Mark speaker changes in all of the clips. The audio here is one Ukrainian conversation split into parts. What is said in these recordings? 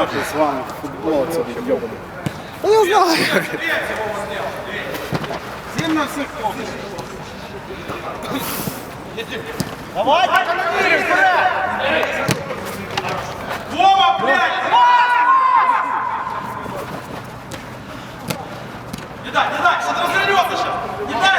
Speaker 1: нахуй з вами футбол це відйобаний.
Speaker 2: Та я знаю.
Speaker 1: Всім на всіх помниш.
Speaker 3: Давай! Вова, блядь! Не дай, что-то развернется сейчас! Не дай!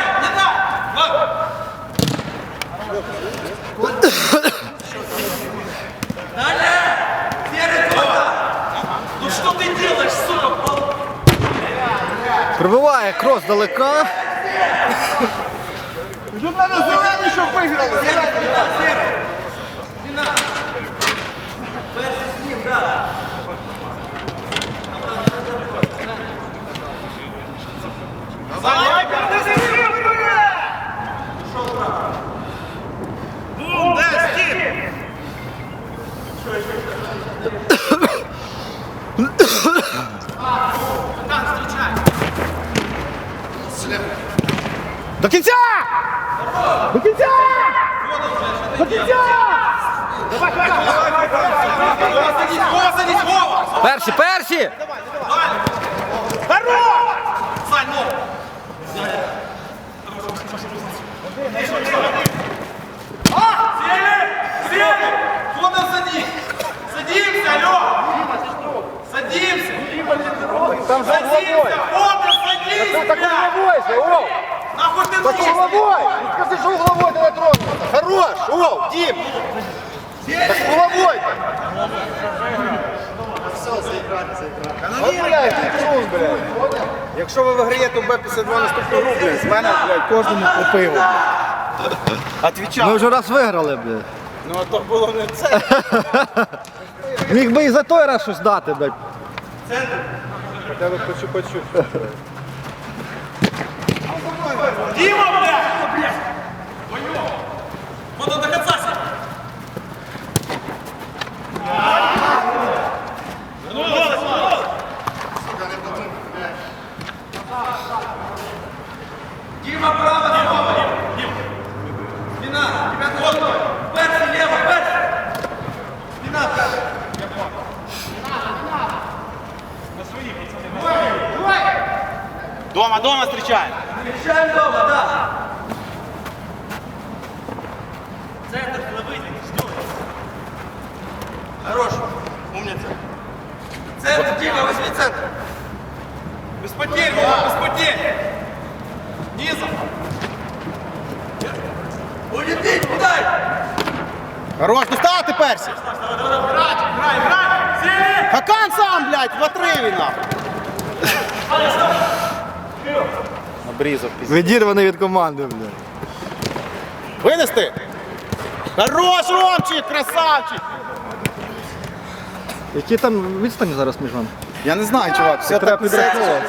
Speaker 3: Далее! Серый Вова! Ну что ты делаешь, сука?
Speaker 2: Пробиває крос далека.
Speaker 1: Вже треба зелений, щоб виграли.
Speaker 2: До кінця! До кінця! До кінця!
Speaker 3: Садись, Вова!
Speaker 2: Перші, перші!
Speaker 3: Сань, ну! Сели! Куда садись? Садимся, алло! Садимся!
Speaker 2: Там же
Speaker 3: Садимся! Вот ты садись,
Speaker 2: Так
Speaker 3: блядь!
Speaker 2: головой же, Оу!
Speaker 3: Нахуй ты
Speaker 2: Так
Speaker 3: нужен?
Speaker 2: головой! Скажи, що головой не тронуться! Хорош! Оу, Дім! Так головой-то! От, блядь, ти трус, блядь!
Speaker 1: Якщо ви виграєте в Б-52 наступну гру, блядь, з мене, блядь, кожному по пиву. Отвічав.
Speaker 2: Ми вже раз виграли, блядь.
Speaker 1: Ну, а то було не це.
Speaker 2: Міг би і за той раз щось дати, блядь.
Speaker 1: Хоча б хочу почути.
Speaker 3: Дима, блядь! Вот он до конца сидит! Дима, право, Дима! Спина, тебя вот! Перси, лево, перси! Спина, перси!
Speaker 1: Дома встречаем.
Speaker 3: Встречаем дома, да! Центр, выйди, ждем! Хорош! Умница! Центр, Дима, возьми центр! Без потерь, Вова, без потерь! Низом! Улететь, куда?
Speaker 1: Хорош, ну став ти персі.
Speaker 3: Играй! Сели!
Speaker 1: Хакан сам, блядь, в отриві нахуй. Обрізав пізніше.
Speaker 2: Відірваний від команди, блядь.
Speaker 1: Винести? Хорош, Ромчик, красавчик!
Speaker 2: Які там відстані зараз між вами?
Speaker 1: Я не знаю, чувак, все
Speaker 2: Треба
Speaker 1: так
Speaker 2: підраховувати.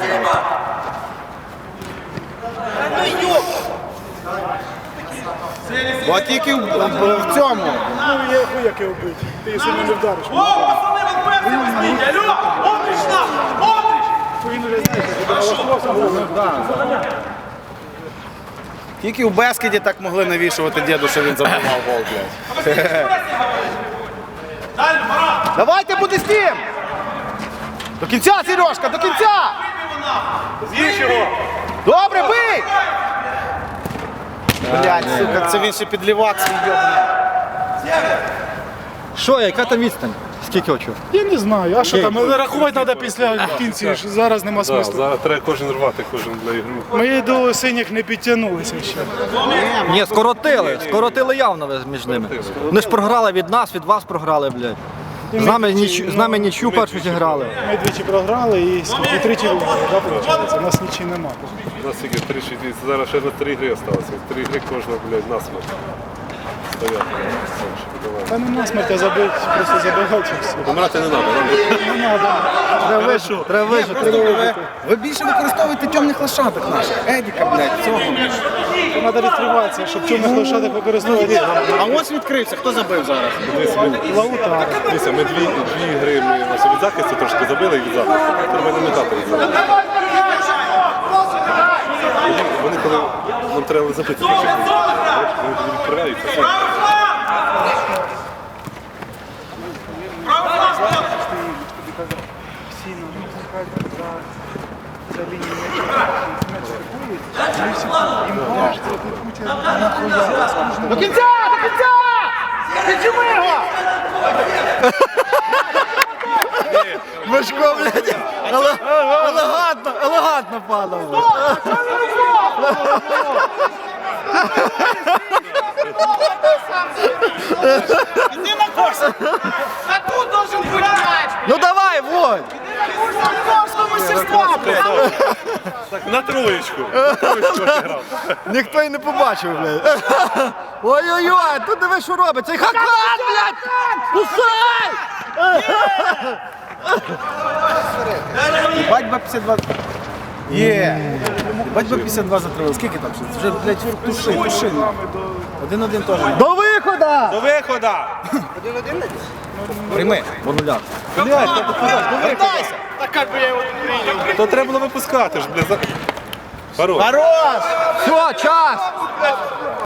Speaker 1: От тільки в цьому.
Speaker 4: Ну, я хуяки вбити. Ти якщо не вдариш.
Speaker 3: О, пацаны, вот перси возьмите! Алло! Отрич нам! Отрич!
Speaker 4: Він вже знаєш,
Speaker 1: Тільки у Бескіді так могли навішувати діду, що він забивав гол, блядь.
Speaker 3: Дальше, Марат!
Speaker 1: Давайте буде з тим! До кінця, Сережка, до кінця!
Speaker 3: З'їж його!
Speaker 1: Добре, бий! Блядь, сука, це він ще підлівак свій йобаний.
Speaker 2: Що, яка там відстань? Скільки очів?
Speaker 4: я не знаю, а що там, рахувати треба після в кінці, ж зараз нема смислу.
Speaker 5: Зараз треба кожен рвати, кожен для ігру.
Speaker 4: Мої до синіх не підтягнулися ще.
Speaker 2: Ні, скоротили явно ви між ними. Вони ж програли від нас, від вас програли, блядь. З нами нічю першу зіграли.
Speaker 4: Ми двічі програли і скільки тричі виграли, да, виходить? У нас нічого нема.
Speaker 5: У нас тільки 3-6, зараз ще на 3 ігри залишилося. 3 ігри кожна, блядь, насмерть. Стоять.
Speaker 4: Та не насмерть, а забити, просто забігати і все.
Speaker 5: Помирати не треба,
Speaker 2: Треба вижити.
Speaker 1: Ви більше використовуєте темних лошадок наших. Едіка, блядь, цього.
Speaker 4: То треба відкриватися, щоб чорних лошадок використовувати.
Speaker 1: А ось відкрився, хто забив зараз?
Speaker 4: Лаута.
Speaker 5: Дивіться, ми дві ігри ми від захисту трошки забили і від захисту. Треба не метати від захисту. Вони коли нам треба забити, вони відкриваються.
Speaker 3: Право фланг!
Speaker 4: пускати за лінію м'яча. М'яч атакують, вони всі їм кажуть, от не Путін нахуя.
Speaker 1: До кінця! До кінця! Піджими його!
Speaker 2: Мишко, блядь, елегантно падав.
Speaker 1: Іди на курс! А тут должен бути м'яч!
Speaker 2: Ну давай, Володь!
Speaker 1: Акторського мастерства, блядь!
Speaker 5: Так, на троєчку.
Speaker 2: Ніхто й не побачив, блядь. Ой-ой-ой, тут диви, що робить. Цей Хакан, блядь! Кусай!
Speaker 1: Батьба 52. Є! Батьба 52 затравив. Скільки там? Вже, блядь, туши. 1-1 теж.
Speaker 2: До виходу!
Speaker 3: До виходу!
Speaker 1: Прийми.
Speaker 2: По нулях.
Speaker 1: Вертайся!
Speaker 5: То треба було випускати ж, блядь. Хорош.
Speaker 1: Хорош!
Speaker 2: Все, час!